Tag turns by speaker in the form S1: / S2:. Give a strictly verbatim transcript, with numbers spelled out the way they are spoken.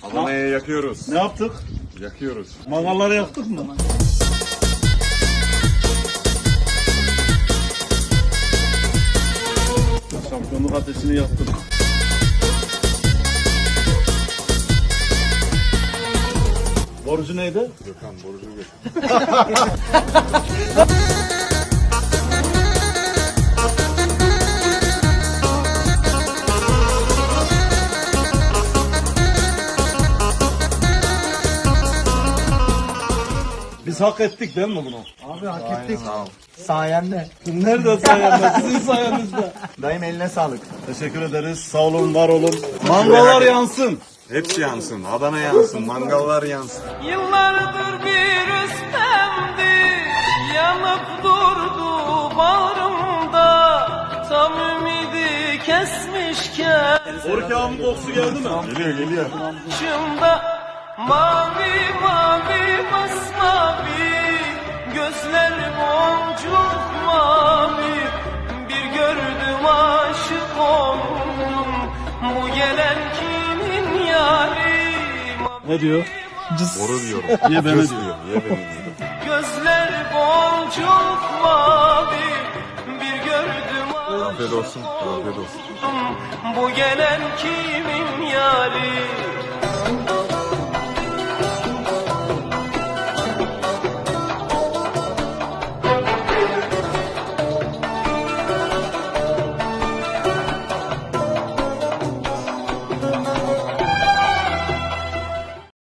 S1: Adana'ya yakıyoruz.
S2: Ne yaptık?
S1: Yakıyoruz.
S2: Mangalları yaktık mı? Şampiyonluk ateşini yaktık. Borcu neydi?
S1: Gökhan borcu götür.
S2: Biz hak ettik değil mi bunu?
S3: Abi hak ettik. Sayende.
S2: Nerede sayende? Sizin sayenizde.
S3: Dayım eline sağlık.
S2: Teşekkür ederiz. Sağ olun, var olun. Mangallar yansın.
S1: Hepsi yansın. Adana yansın. Mangallar yansın.
S4: Yıllardır bir üstemdi, yanıp durdu bağrımda. Tam ümidi kesmişken
S2: Orki abinin kokusu geldi mi?
S1: Geliyor geliyor.
S4: başımda mavi mavi masmavi, gözler boncuk mavi. Bir gördüm aşık oldum, bu gelen kimin yari?
S2: Ne diyor?
S1: Boru diyorum.
S2: Niye beni
S1: Göz
S2: diyor?
S1: diyor. Niye beni diyor?
S4: Gözler boncuk mavi, bir gördüm
S1: Afiyet olsun. Afiyet olsun.
S4: aşkım, bu gelen kimin yari?